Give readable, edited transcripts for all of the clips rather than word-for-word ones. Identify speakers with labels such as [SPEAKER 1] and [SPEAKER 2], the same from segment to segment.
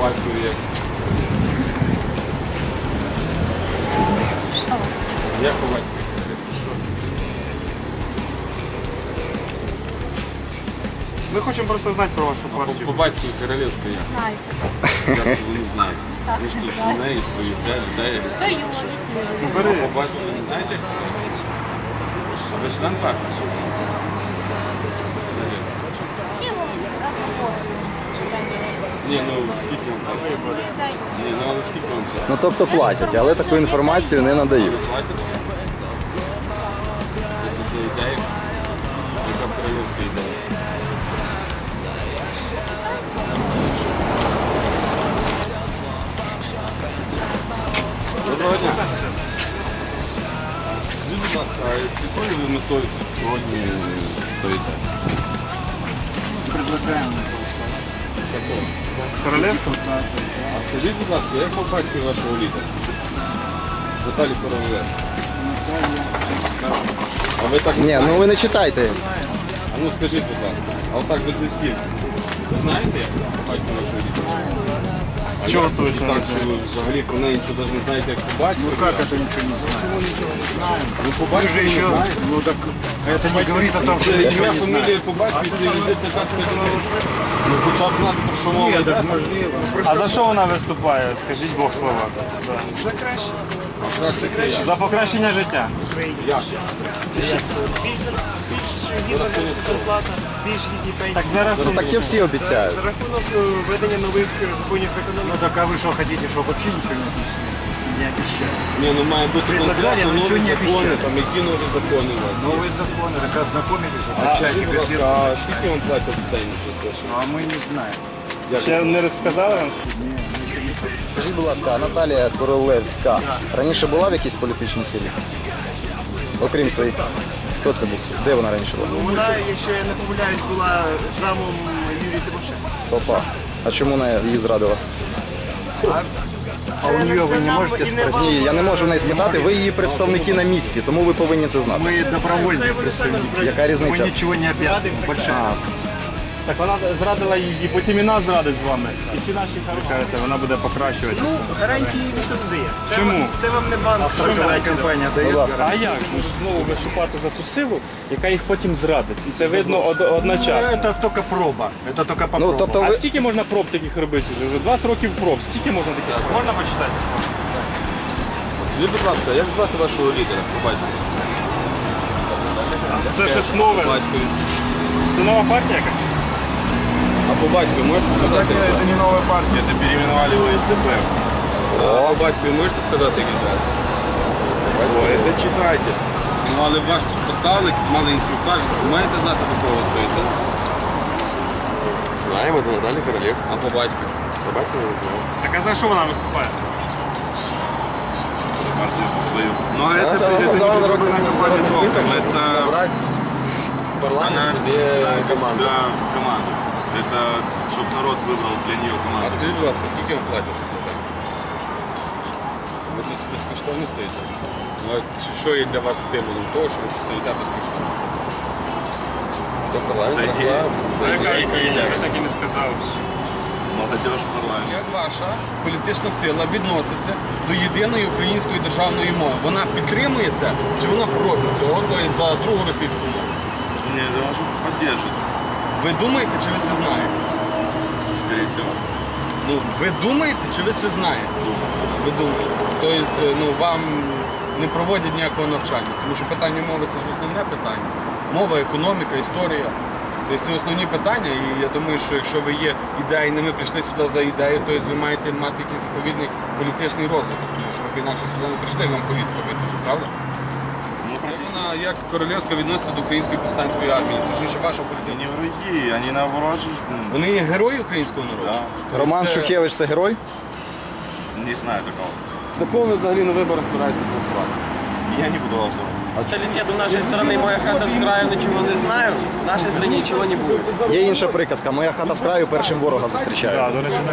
[SPEAKER 1] батькові як? Як по батькові?
[SPEAKER 2] Ми хочемо просто знати про вашу партію.
[SPEAKER 1] По батькові Королевська як?
[SPEAKER 3] Знаєте.
[SPEAKER 1] Як це ви не знаєте? Ви ж тут з нею стоїте, людей.
[SPEAKER 3] Стою,
[SPEAKER 1] А по батькові не знаєте? А ви член партії? Ні, ну скільки вам платять? Ні, ну але скільки вам платять?
[SPEAKER 4] Ну тобто платять, але таку інформацію не надають.
[SPEAKER 1] Ви платите? Це ідея? Яка королівська ідея? Доброго дня. Скажіть, будь ласка, а якою ви метою сьогодні стоїте?
[SPEAKER 2] Предлагаємо.
[SPEAKER 1] Такого.
[SPEAKER 2] Королевську?
[SPEAKER 1] А скажіть, будь ласка, як по батькові вашого лідера? Віталій Королев. А ви так не
[SPEAKER 4] Ні,
[SPEAKER 1] знаєте?
[SPEAKER 4] ну ви не читайте.
[SPEAKER 1] А ну скажіть, будь ласка, а отак без листів. Ви знаєте, як по батькові вашого лідера? А
[SPEAKER 2] Чого
[SPEAKER 1] як це
[SPEAKER 2] точно
[SPEAKER 1] так,
[SPEAKER 2] не
[SPEAKER 1] що ви взагалі про неї нічого навіть не знаєте, як по батькові?
[SPEAKER 2] Как это ничего не знаем?
[SPEAKER 1] Чому нічого не знаєте? Ну по
[SPEAKER 2] Вы
[SPEAKER 1] батькові
[SPEAKER 2] же
[SPEAKER 1] не
[SPEAKER 2] еще,
[SPEAKER 1] знаєте.
[SPEAKER 2] ну так, это не говорит о том, что
[SPEAKER 1] Це
[SPEAKER 2] вы ничего
[SPEAKER 1] ім'я,
[SPEAKER 2] не
[SPEAKER 1] фамілія
[SPEAKER 2] знаете.
[SPEAKER 1] по батькові, це візитна картка. Ну спочатку знати, про що мова йде.
[SPEAKER 2] А за що вона виступає? Скажіть Бог слова.
[SPEAKER 1] Краще це я.
[SPEAKER 2] За покращення життя.
[SPEAKER 1] Як?
[SPEAKER 2] Так зараз
[SPEAKER 4] Ну таке всі обіцяють.
[SPEAKER 5] За рахунок введення нових законів економіки.
[SPEAKER 2] Ну так а вы что хотите, чтобы вообще ничего не объяснили? Не обещали.
[SPEAKER 1] Ні, ну має бути
[SPEAKER 2] Предлагали,
[SPEAKER 1] конкретно
[SPEAKER 2] но нічого
[SPEAKER 1] нові
[SPEAKER 2] не
[SPEAKER 1] закони,
[SPEAKER 2] обіцяли.
[SPEAKER 1] там які нові закони у вас.
[SPEAKER 2] Новые законы, так ознакомились,
[SPEAKER 1] А
[SPEAKER 2] обещайте
[SPEAKER 1] скажіть, будь ласка,
[SPEAKER 2] газету.
[SPEAKER 1] а скільки вам платять в день за те, що?
[SPEAKER 2] А мы не знаем.
[SPEAKER 1] Як
[SPEAKER 2] Ще
[SPEAKER 1] ви-
[SPEAKER 2] не розказали вам скільки? Ні, нічого не сказали.
[SPEAKER 4] Скажіть, будь ласка, а Наталія Королевська раніше була в якійсь політичній силі? Окрім своїх. Хто це був? Де вона раніше була?
[SPEAKER 5] Вона, якщо я не помиляюсь, була замом Юрія Тимошенка.
[SPEAKER 4] Опа. А чому вона її зрадила?
[SPEAKER 2] А у нее вы не можете спросить?
[SPEAKER 4] Ні, я не можу в неї спитати, ви її представники на місці, тому ви повинні це знати.
[SPEAKER 2] Мы добровольные представники.
[SPEAKER 4] Яка різниця?
[SPEAKER 2] Мы ничего не обязаны. Большая.
[SPEAKER 6] Так вона зрадила її, потім і нас зрадить з вами. І всі наші кажете, вона буде покращувати.
[SPEAKER 5] Ну, гарантії ніхто не дає. Це
[SPEAKER 6] Чому?
[SPEAKER 5] Це вам не банк.
[SPEAKER 2] Страховая компания дает.
[SPEAKER 4] Будь ласка.
[SPEAKER 6] А як? Можуть знову виступати за ту силу, яка їх потім зрадить. І це видно одночасно.
[SPEAKER 2] Это только проба. Это только по
[SPEAKER 4] Ну,
[SPEAKER 2] пробам.
[SPEAKER 4] тобто
[SPEAKER 6] А
[SPEAKER 4] ви...
[SPEAKER 6] скільки можна проб таких робити? Вже 20 років проб. Скільки можна таких?
[SPEAKER 2] Можно почитать?
[SPEAKER 1] Скажіть, будь ласка, як звати вашого лідера по батькові?
[SPEAKER 6] Це щось нове.
[SPEAKER 1] По батькові.
[SPEAKER 6] Це нова партія якась?
[SPEAKER 1] А по батькові можете сказати, як звати?
[SPEAKER 2] не новая партия, это переименовали в СДП.
[SPEAKER 1] А по батькові можете сказати, як звати?
[SPEAKER 2] Это читайте.
[SPEAKER 1] Ну, але ваш поставили, мали інструктаж, ви маєте знати, до кого ви стоїте?
[SPEAKER 2] Знаем, это Наталья Королевская.
[SPEAKER 1] А по батькові?
[SPEAKER 6] Так а за що вона виступає?
[SPEAKER 2] Но это не программа это
[SPEAKER 1] Парламент собі команду.
[SPEAKER 2] команда. Это чтобы народ выбрал для нее
[SPEAKER 1] А
[SPEAKER 2] команду.
[SPEAKER 1] скажіть, будь ласка, скільки вам платять? Ви тут безкоштовно стоїте? Ну, а що є для вас стимулом того, що ви стоїте безкоштовно? Це парламент, реклама.
[SPEAKER 6] Ви так і не сказали.
[SPEAKER 2] Молодежь в парламенте.
[SPEAKER 1] Як ваша політична сила відноситься до єдиної української державної мови? Вона підтримує це чи вона проти цього, то є за другу російську мову?
[SPEAKER 2] Нет, это может поддержит,
[SPEAKER 1] Ви думаєте, чи ви це знаєте?
[SPEAKER 2] скорее всего.
[SPEAKER 1] Ну, ви думаєте, чи ви це знаєте? Ви думаєте. Тобто, ну, вам не проводять ніякого навчання, тому що питання мови це ж основне питання. Мова, економіка, історія. Тобто це основні питання, і я думаю, що якщо ви є ідейними, прийшли сюди за ідею, то ви маєте мати якийсь відповідний політичний розвиток, тому що ви б інакше сюди не прийшли, вам повістку витягли, правда? Вона як Королевська відноситься до української повстанської армії, тому що ваша політика.
[SPEAKER 2] Не враги, они наоборот же,
[SPEAKER 1] Вони є герої українського народу?
[SPEAKER 2] да,
[SPEAKER 4] Роман
[SPEAKER 1] Це-
[SPEAKER 4] Шухевич це герой?
[SPEAKER 2] не знаю такого.
[SPEAKER 1] За кого ви взагалі на виборах збираєтесь голосувати?
[SPEAKER 2] Я не буду голосовать.
[SPEAKER 5] Менталитет у нашей страны, моя хата с краю, ничего не знаю. В нашей стране ничего не будет.
[SPEAKER 4] Є інша приказка. Моя хата з краю першим ворога зустрічає.
[SPEAKER 6] До речі,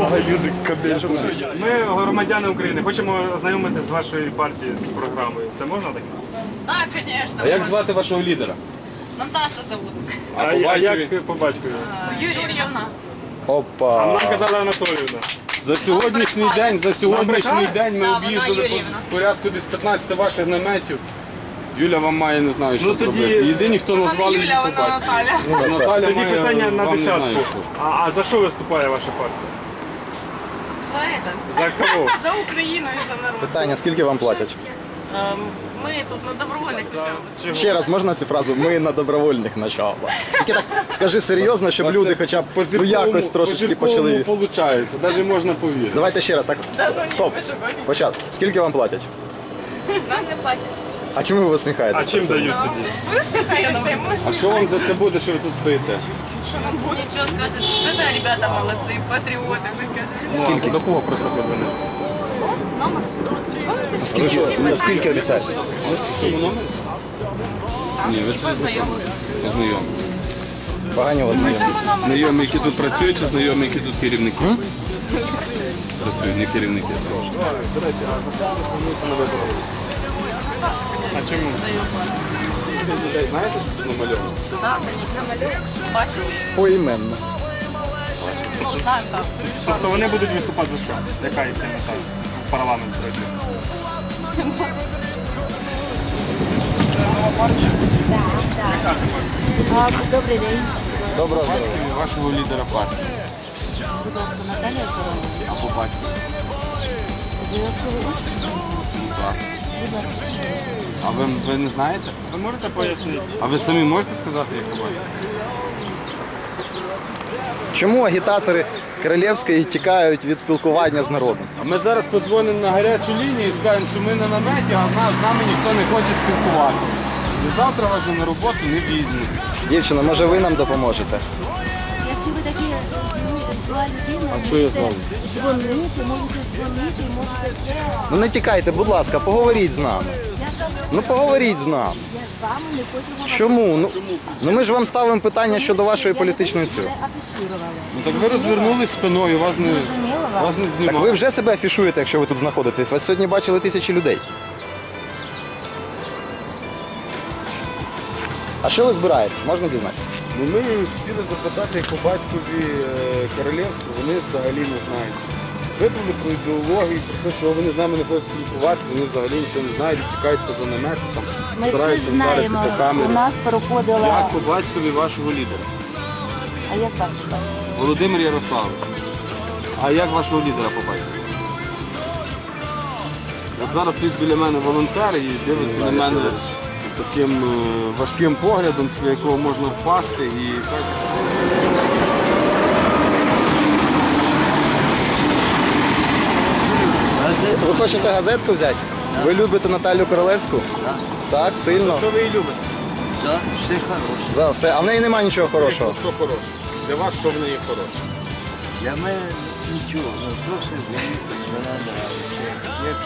[SPEAKER 6] ми громадяни України, хочемо ознайомитися з вашою партією, з програмою. Це можна таке?
[SPEAKER 3] Да, конечно.
[SPEAKER 1] А як звати вашого лідера?
[SPEAKER 3] Наташа зовут.
[SPEAKER 1] А по
[SPEAKER 6] А
[SPEAKER 1] батькові?
[SPEAKER 6] як по батькові?
[SPEAKER 3] Юрьевна.
[SPEAKER 6] А
[SPEAKER 4] Опа.
[SPEAKER 6] нам казала Анатоліївна.
[SPEAKER 1] За сьогоднішній день ми об'їздили порядку десь 15 ваших наметів. Юля вам має, не знаю, що
[SPEAKER 6] Ну, тоді-
[SPEAKER 1] зробити. Єдині, хто назвали її
[SPEAKER 3] Юля, вона
[SPEAKER 1] побачити.
[SPEAKER 3] Наталя.
[SPEAKER 1] Наталя
[SPEAKER 6] Тоді
[SPEAKER 1] має,
[SPEAKER 6] питання на
[SPEAKER 1] вам не знаю,
[SPEAKER 6] десятку.
[SPEAKER 1] що.
[SPEAKER 6] А за що виступає ваша партія?
[SPEAKER 3] За это.
[SPEAKER 6] За кого?
[SPEAKER 3] За Україну і за народ.
[SPEAKER 4] Питання, скільки вам платять?
[SPEAKER 3] Ми тут на добровольних началах.
[SPEAKER 4] Ще раз можна цю фразу? Ми на добровольних началах. Тільки так скажи серйозно, щоб люди хоча б ну, якось трошечки почали.
[SPEAKER 1] виходить, навіть можна повірити.
[SPEAKER 4] Давайте ще раз так. Стоп. Початку. Скільки вам платять?
[SPEAKER 3] Нам не платять.
[SPEAKER 4] А чому ви
[SPEAKER 6] А
[SPEAKER 4] усміхаєтесь?
[SPEAKER 6] чим дають тоді?
[SPEAKER 3] Ви слухаєте,
[SPEAKER 1] А що вам за це буде, що ви тут стоїте?
[SPEAKER 3] Нічого скажете. Ну да, ребята молодці, патріоти, ви скажете.
[SPEAKER 6] Скільки? До кого просто подзвонити?
[SPEAKER 3] Номер?
[SPEAKER 4] Скільки обіцяєте?
[SPEAKER 1] Ні, ви це знайомі.
[SPEAKER 4] Погані у вас знайомі.
[SPEAKER 1] Знайомі, які тут працюють, чи знайомі, які тут керівники? Працюють, не керівники.
[SPEAKER 6] А чому?
[SPEAKER 1] Знаєте, що тут намальовано?
[SPEAKER 3] Так, звісно. Бачили?
[SPEAKER 4] Поіменно.
[SPEAKER 3] Ну, знаємо так.
[SPEAKER 6] Тобто вони будуть виступати за що? Яка їхня мета в парламент пройти?
[SPEAKER 7] Добрий день.
[SPEAKER 4] Доброго здоров'я.
[SPEAKER 1] Вашого лідера партії.
[SPEAKER 7] Будь ласка, Наталія Королева.
[SPEAKER 1] Або батько. Так. А ви не знаєте?
[SPEAKER 6] Ви можете пояснити?
[SPEAKER 1] А ви самі можете сказати, як ви бачите?
[SPEAKER 4] Чому агітатори Королевської тікають від спілкування з народом?
[SPEAKER 1] А ми зараз подзвонимо на гарячу лінію і скажемо, що ми на наметі, а з нами ніхто не хоче спілкувати. І завтра вас же на роботу не візьмуть.
[SPEAKER 4] Дівчина, може ви нам допоможете?
[SPEAKER 7] Якщо ви такі зла людина,
[SPEAKER 1] А що я
[SPEAKER 7] можете
[SPEAKER 1] знову?
[SPEAKER 7] дзвонити, можете це.
[SPEAKER 4] Ну не тікайте, будь ласка, поговоріть з нами. Ну поговоріть з нами.
[SPEAKER 7] Я з вами не хочу говорити.
[SPEAKER 4] Чому? Ну ми ж вам ставимо питання щодо вашої політичної сили.
[SPEAKER 7] Я афішувала.
[SPEAKER 1] Ну так ви розвернулись спиною, вас не
[SPEAKER 4] Так
[SPEAKER 1] знімали.
[SPEAKER 4] ви вже себе афішуєте, якщо ви тут знаходитесь. Вас сьогодні бачили тисячі людей. А що ви збираєте? Можна дізнатися?
[SPEAKER 1] Ну ми хотіли запитати, як по батькові королівство, вони взагалі не знають. Випали про ідеологію, про те, що вони з нами не хочуть спілкуватися, вони взагалі нічого не знають, тікають поза намети, там,
[SPEAKER 7] Ми всі
[SPEAKER 1] стараються вдарити
[SPEAKER 7] знаємо,
[SPEAKER 1] по камері.
[SPEAKER 7] у нас проходила...
[SPEAKER 1] Як по батькові вашого лідера?
[SPEAKER 7] А як вас звати?
[SPEAKER 1] Володимир Ярославович. А як вашого лідера по батькові? От зараз стоїть біля мене волонтер і дивиться на мене таким важким поглядом, після якого можна впасти і
[SPEAKER 4] Ви хочете газетку взяти? Ви любите Наталю Королевську? Так, сильно.
[SPEAKER 1] що ви її любите?
[SPEAKER 4] За все. А в неї немає нічого хорошого.
[SPEAKER 1] Що хороше? Для вас що в неї хороше?
[SPEAKER 8] Для мене нічого, ну просто вона нравиться.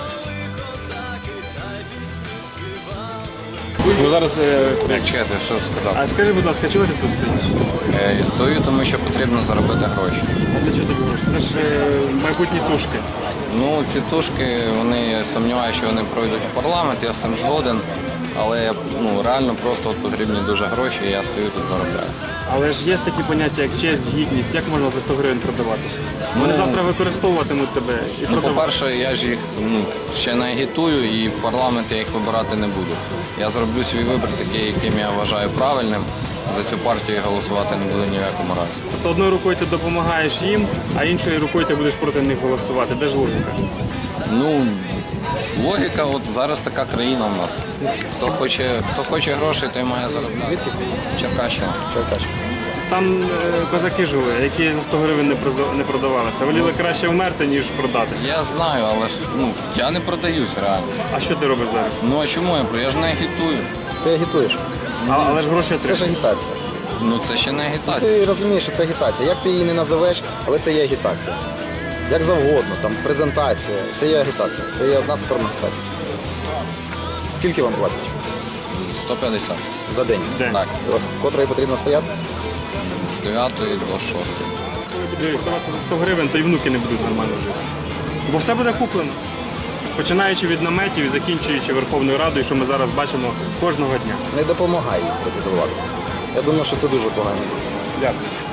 [SPEAKER 6] Ви зараз...
[SPEAKER 9] Як чекати, що сказати?
[SPEAKER 6] А скажи, будь ласка, чого ти тут стоїш?
[SPEAKER 9] Стою, тому що потрібно заробити гроші.
[SPEAKER 6] А для чого тобі гроші? Це ж майбутні тушки.
[SPEAKER 9] Ну, ці тушки, вони сумніваюся, що вони пройдуть в парламент, я з цим згоден. Але реально просто от потрібні дуже гроші, і я стою тут заробляю.
[SPEAKER 6] Але ж є такі поняття, як честь, гідність. Як можна за 100 гривень продаватися? Вони завтра використовуватимуть тебе і
[SPEAKER 9] Ну,
[SPEAKER 6] продавати.
[SPEAKER 9] по-перше, я ж їх ще не агітую і в парламент я їх вибирати не буду. Я зроблю свій вибір такий, яким я вважаю правильним. За цю партію я голосувати не буду ні в якому разі.
[SPEAKER 6] Тобто одною рукою ти допомагаєш їм, а іншою рукою ти будеш проти них голосувати. Де ж логіка?
[SPEAKER 9] Ну, логіка, от зараз така країна в нас. Хто хоче грошей, той має заробляти. Черкащина.
[SPEAKER 6] Там козаки жили, які за 100 гривень не продавалися. Воліли краще вмерти, ніж продатися.
[SPEAKER 9] Я знаю, але ж я не продаюсь реально.
[SPEAKER 6] А що ти робиш зараз?
[SPEAKER 9] Ну а чому я ж не агітую?
[SPEAKER 4] Ти агітуєш.
[SPEAKER 6] Але ж гроші
[SPEAKER 4] Це
[SPEAKER 6] отримуєш.
[SPEAKER 4] ж агітація.
[SPEAKER 9] Ну це ще не агітація.
[SPEAKER 4] Ти розумієш, що це агітація. Як ти її не називеш, але це є агітація. Як завгодно, там презентація. Це є агітація. Це є одна з форм агітації. Скільки вам платять
[SPEAKER 9] 150.
[SPEAKER 4] за день?
[SPEAKER 6] День.
[SPEAKER 9] Так,
[SPEAKER 4] Котрої потрібно стояти?
[SPEAKER 9] з 9 до 6.
[SPEAKER 6] Дивись, здаватися за 100 гривень, то й внуки не будуть нормально жити. Бо все буде куплено. Починаючи від наметів і закінчуючи Верховною Радою, що ми зараз бачимо кожного дня.
[SPEAKER 4] Не допомагай їй проти влади. Я думаю, що це дуже погано.
[SPEAKER 6] Дякую.